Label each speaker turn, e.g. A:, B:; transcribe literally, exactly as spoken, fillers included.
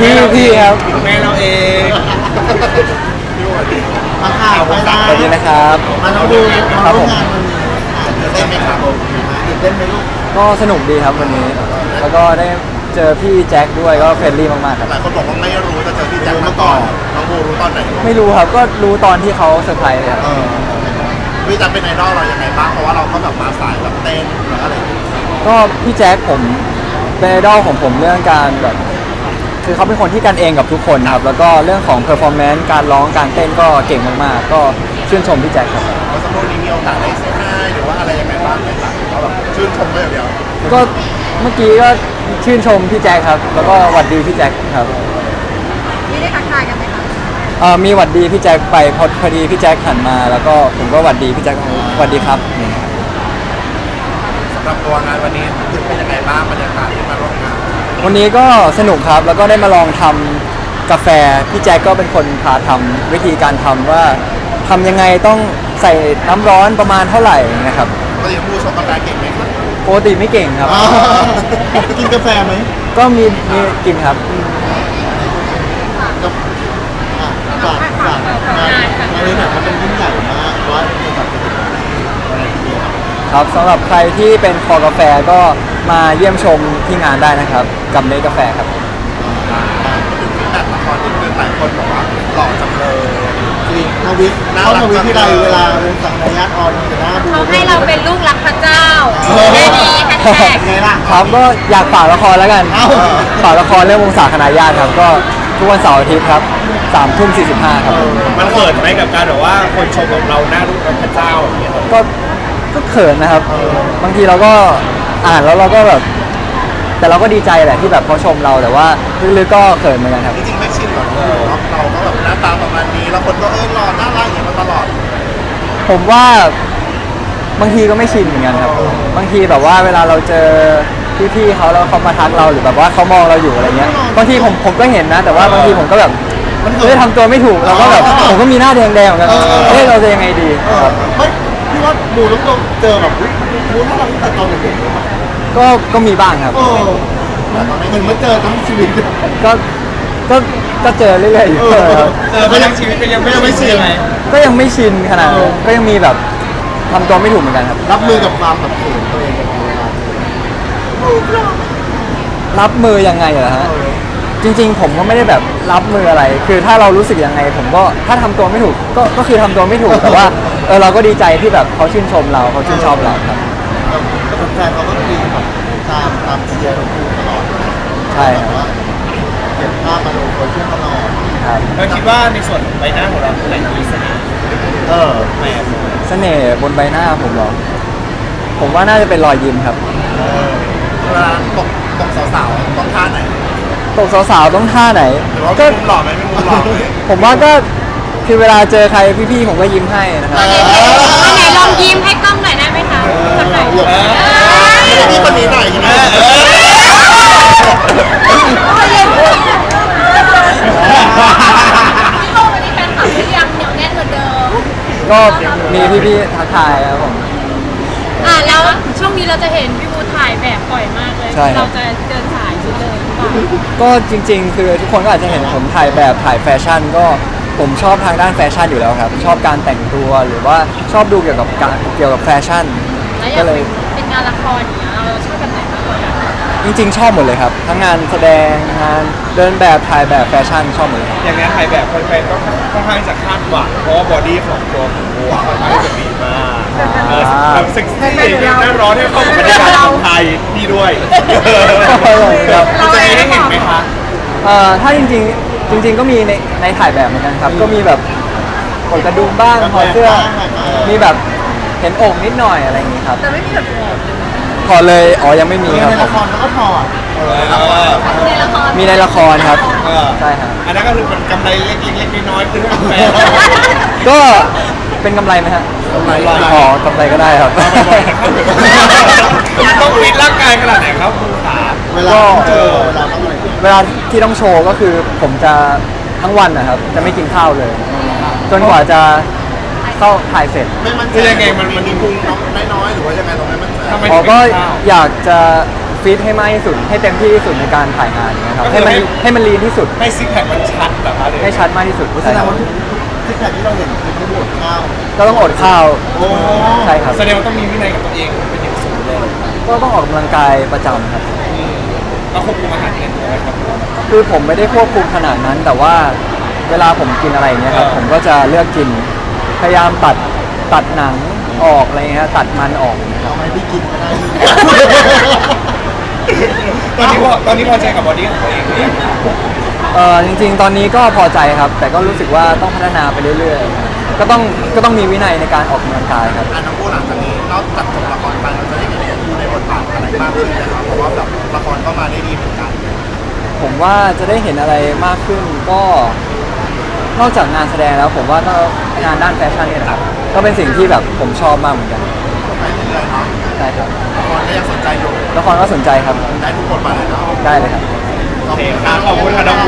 A: พี่พี่ครับ
B: แม่เราเอง
C: มาข่าวไปนะ
A: สวัสดีนะครับ
C: มาน้องดูมา
A: ครับ
C: ร่
A: ผ
C: วม
A: ม
C: งานวันนี้ตื่นเต้นไหมครับตื่นเต้นไหมลูก
A: ก็สนุกดีครับวันนี้ แล้วก็ได้เจอพี่แจ็คด้วยก็เฟรนลี่มากๆครับ
D: หลายคนบอกว่าไม่รู้จะเจอพี่แจ็คมาก่อนน้องโบรู้ตอนไหน
A: ไม่รู้ครับก็รู้ตอนที่เขาเซอร์ไพรส์เลยครับ
D: เออพี่แจ็คเป็นไอดอลเรายังไงบ้างเพราะว่าเราก็แบบมาสายแบบเต้นหรืออะไรอย่างเงี้ย
A: ก็พี่แจ็คผมเป็นไอดอลของผมเรื่องการแบบคือเขาเป็นคนที่กันเองกับทุกคนครับแล้วก็เรื่องของเพอร์ฟอร์แมนซ์การร้องการเต้นก็เก่งมากๆก็ชื่นชมพี่แจ็คครับ
D: เพราะสมมตินี้มีโอกาสได้เซ็นได้หรือว่าอะไรยังไงบ้างไหมครับเขาแบบชื่นชมได้อย่างเดียว
A: ก็เมื่อกี้ก็ชื่นชมพี่แจ็คครับ แล้วก็หวัดดีพี่แจ็คครับ
E: นี่ได้ทักทายกันไหมคะ
A: เอ่อมีหวัดดีพี่แจ็คไปพอพอดีพี่แจ็คหันมา แล้วก็ผมก็หวัดดีพี่แจ็คหวัดดีครับนี่ครับ
D: สำหรับตัวงานวันนี้ถึงเป็นยังไงบ้างบรรยากาศที่มาร่วมงาน
A: วันนี้ก็สนุกครับแล้วก็ได้มาลองทำกาแฟพี่แจ็คก็เป็นคนพาทำวิธีการทำว่าทำยังไงต้องใส่น้ำร้อนประมาณเท่าไหร่นะครับ
D: ก็ยังผู้ชมกาแฟเก่งไหมครับ
A: ปกติไม่เก่งครับ
C: อ๋อกินกาแฟไหม
A: ก็มีมีกินครับ
C: กับอ่ะฝากฝากงานงานนี้แบบมันเป็นยิ่งใหญ่มากว่าจะจัดเป็นอะไรทีเดียว
A: ครับสำหรับใครที่เป็นคอกาแฟก็มาเยี่ยมชมที่งานได้นะครับกับเนกาแฟครับ
D: ก็ถึงฟีดแบ็กละครนิดนึงหลายคนบอกว่าหล่อจังเลย
C: จริงทวิตเข้าทวิตที่ไรเวลาเป็นสังกัดญาติออนจะหน้าดู
E: เขาให้เราเป็นลูกรักพระเจ้าแค่นี้แฮชแท็ก
C: ไงล่ะ
A: ครับก็อยากฝากละครแล้วกัน
C: เอ้า
A: ฝากละครเรื่องวงศาคณาญาติครับก็ทุกวันเสาร์อาทิตย์ครับสามทุ่มสี่สิบห้าครับ
B: มันเขินไหมกับการแบบว่าคนชมของเราหน้ารูปพระเจ้าอย่างเงี้ย
A: ก็ก็เขินนะครับ บางทีเราก็อ่านแล้วเราก็แบบ แต่เราก็ดีใจแหละที่แบบเขาชมเราแต่ว่าลึกๆก็เขินเหมือนกันครับ
D: จริงๆไม่ชินหรอกเลยเราก็แบบหน้าตาประมาณนี้แล้วคนก็เออหล่อน่ารักอย่างนี้มาตลอด
A: ผมว่าบางทีก็ไม่ชินเหมือนกันครับ บางทีแบบว่าเวลาเราเจอพี่ๆเขาแล้วเขามาทักเราหรือแบบว่าเขามองเราอยู่อะไรเงี้ยบางทีผมผมก็เห็นนะ แต่ว่าบางทีผมก็แบบมันเฮ้ยทำตัวไม่ถูกเราก็แบบผมก็มีหน้าแดงๆเหมือนกันเฮ้ยเราจะยังไงดี
C: เออ
A: ครับ
C: ไม่พี่ว่าหมูต้องโดนเจอแบบอุ๊ยหมูน่ารักตั้งแต่ตอนเด็กๆเลยป่ะ
A: ก็ก็มีบ้างครับ
C: เออเหมือนมาเจอทั้งชีวิต
A: ก็ก็ก็เจอเรื่อยๆอยู่
C: เออ
A: ครับ
B: เจอมาทั้งชีวิตก็ยังไม่รู้สึกยังไง
A: ก็ยังไม่ชินขนาดนั้นก็ยังมีแบบทำตัวไม่ถูกเหมือนกันครับ
C: รับมือกับความแบบเขินตัวเองกับเวลา
A: รับมือยังไงเหรอฮะจริง ๆ ผมก็ไม่ได้แบบรับมืออะไร คือถ้าเรารู้สึกยังไง ผมก็ถ้าทำตัวไม่ถูกก็ก็คือทำตัวไม่ถูกแต่ว่าเออเราก็ดีใจที่แบบเขาชื่นชมเราเขาชื่นชอบเราครับ
C: แต่แฟนเขาก็มีแบบตามตามเชียร์เราตลอด
A: ใช่ครับ
C: ว่าเก็บภาพมาลงโซเชียลตลอด
A: ครับ
B: เราคิดว่าในส่วนของใบหน้าของเราไหนมีเสน่ห์
C: เออ
B: แม่
A: เสน่ห์บนใบหน้าผมเหรอผมว่าน่าจะเป็นรอยยิ้มครับ
C: เออ
D: เวลาตกตกสาวๆต้องท่าไหน
A: ตกสาวๆต้องท่าไหน
D: หรือว่า
A: ก็
D: มีมุมหล่อไหมมีมุมหล่อไหม
A: ผมว่าก็คือเวลาเจอใครพี่ๆผมก็ยิ้มให้นะครับ
E: อันไหนลองยิ้มให้กล้องหน่อยได้ไหมคะคนไหน
C: หยก
D: นี่คนนี้หน่อยใช่ไหม
E: พี่โบวันนี้แฟนคลับหรือยังเหนียวแน่นเหมือนเดิม
A: ก็มีพี่ๆทักทายครับผม
E: อ่ะแล้วช่วงนี้เราจะเห็นพี่บูถ่ายแบบบ่อยมากเลย
A: ใช่ครับ
E: เราจะเดินสายชุดเลยหรือเปล่า
A: ก็จริงๆ คือทุกคนก็อาจจะเห็นผมถ่ายแบบถ่ายแฟชั่น ก็ผมชอบทางด้านแฟชั่นอยู่แล้วครับ ชอบการแต่งตัวหรือว่าชอบดูเกี่ยวกับการเกี่ยวกับแฟชั่น
E: แล้วอ
A: ก็
E: ยาก
A: เลย
E: เป็นงานละครอย่างเงี้ยเราชอบแบบไหนมากกว่ากัน
A: จริงๆ ชอบหมดเลยครับ ทั้งงานแสดงงานเดินแบบถ่ายแบบแฟชั่นชอบหมดเลยครับ
B: อย่างนั้นถ่ายแบบคนไปก็ค่อนข้างจะคาดหวังเพราะว่าบอดี้ของตัวของบัวค่อนข้างจะดีมากเออแบบเซ็กซี่หน้าร้อนให้เข้ากับบรรยากาศของไทยนี่ด้วย
A: ครับ
B: มันจะมีให้เห็นไหมคะ
A: เอ่อถ้าจริงๆ จริง ๆ ก็มีในในถ่ายแบบเหมือนกันครับ ก็มีแบบกดกระดุมบ้างถอดเสื้อ มีแบบเห็นอกนิดหน่อยอะไรอย่างงี้ครับ
E: แต่ไม่มีแบบโหด
A: ถอดเลย อ๋อ ยังไม่มีครับ
C: ใน
A: ผ
C: ละ
A: ม
C: ครเขาก็ถอด
E: ในละคร
A: มีในละครครับ
B: เออ
A: ใช่ครับ
B: อันนั้นก็คือเป็นกำไรเล็กๆน้อยๆคือทุกแฟน
A: ก็เป็นกำไรไหมฮะกำไรอ๋อกำไรก็ได้ครับ
B: ต้องฟิตร่างกายขนาดไหนครับคุณขา
C: เวลาเจอเวลาต้องอะไร
A: เวลาที่ต้องโชว์ก็คือผมจะทั้งวันนะครับ จะไม่กินข้าวเลย จนกว่าจะเข้าถ่ายเสร็จ
D: ไม่มั่นใจ
B: คือยังไงมันมัน
D: มีพุงน้องน้อยๆหรือว่ายังไงเราไม่มั่นใจ
B: ทำไม
A: อ๋อ
B: ถึง
A: ก็
B: ไม่กินข้าว
A: อยากจะฟิตให้มากที่สุดให้เต็มที่ที่สุดในการถ่ายงานนะครับ
B: ก็คื
A: ให้
B: อ
A: มัน
B: ให้
A: ให้มันลีนที่สุด
B: ให้ซิกแพคมันชัดแบบว่าเลย
A: ให้ชัดมากที่สุด
C: แส
A: ใช่
C: ด
A: ค
C: ง
A: รับ
C: ว่าทุกที่แที่เราเห็นคือไม่หมดข้าว
A: ก็ต้องอดข้าว
C: โอ้
A: ใช่ครับ
B: แสดงว่าต้องมีวินัยกับตัวเองเป็นอย่างสูงเลย
A: ก็ต้องออกกำลังกายประจำครับ
B: อืมแล้วควบคุมอาหารยังไงตัวครับ
A: คือผมไม่ได้ควบคุมขนาดนั้น แต่ว่าเวลาผมกินอะไรอย่างเงี้ยครับ
B: เออ
A: ผมก็จะเลือกกิน พยายามตัดตัดหนังออกอะไรเงี้ยตัดมันออก
C: เอาไหมพี่กินก็ได้
B: ตอนนี้พอตอนนี้พอใจกับบอดี้ของตัวเองหรือยัง
A: เออจริงๆ ตอนนี้ก็พอใจครับ แต่ก็รู้สึกว่าต้องพัฒนาไปเรื่อยๆ ก็ต้องก็ต้องมีวินัยในการออกกำลังกายครับ
D: อันน้องโบหลังจากนี้นอกจากจบละครไปเราจะได้เห็นน้องโบในบทบาทอะไรมากขึ้นนะครับเพราะว่าแบบละครก็มาได้ดีเหมือนกัน
A: ผมว่าจะได้เห็นอะไรมากขึ้นก็นอกจากงานแสดงแล้วผมว่าก็งานด้านแฟชั่นเนี่ยนะครับก็เป็นสิ่งที่แบบผมชอบมากเหมือนกัน
D: ไปเรื่อยๆเนาะ
A: ใช่ครับ
D: ละครก็ยังสนใจอยู่
A: ละครก็สนใจครับ
D: ได้ทุกบทบาทเลยเนาะ
A: ได้เลยครับ
B: โอเคครับขอบคุณค่ะน้องโบ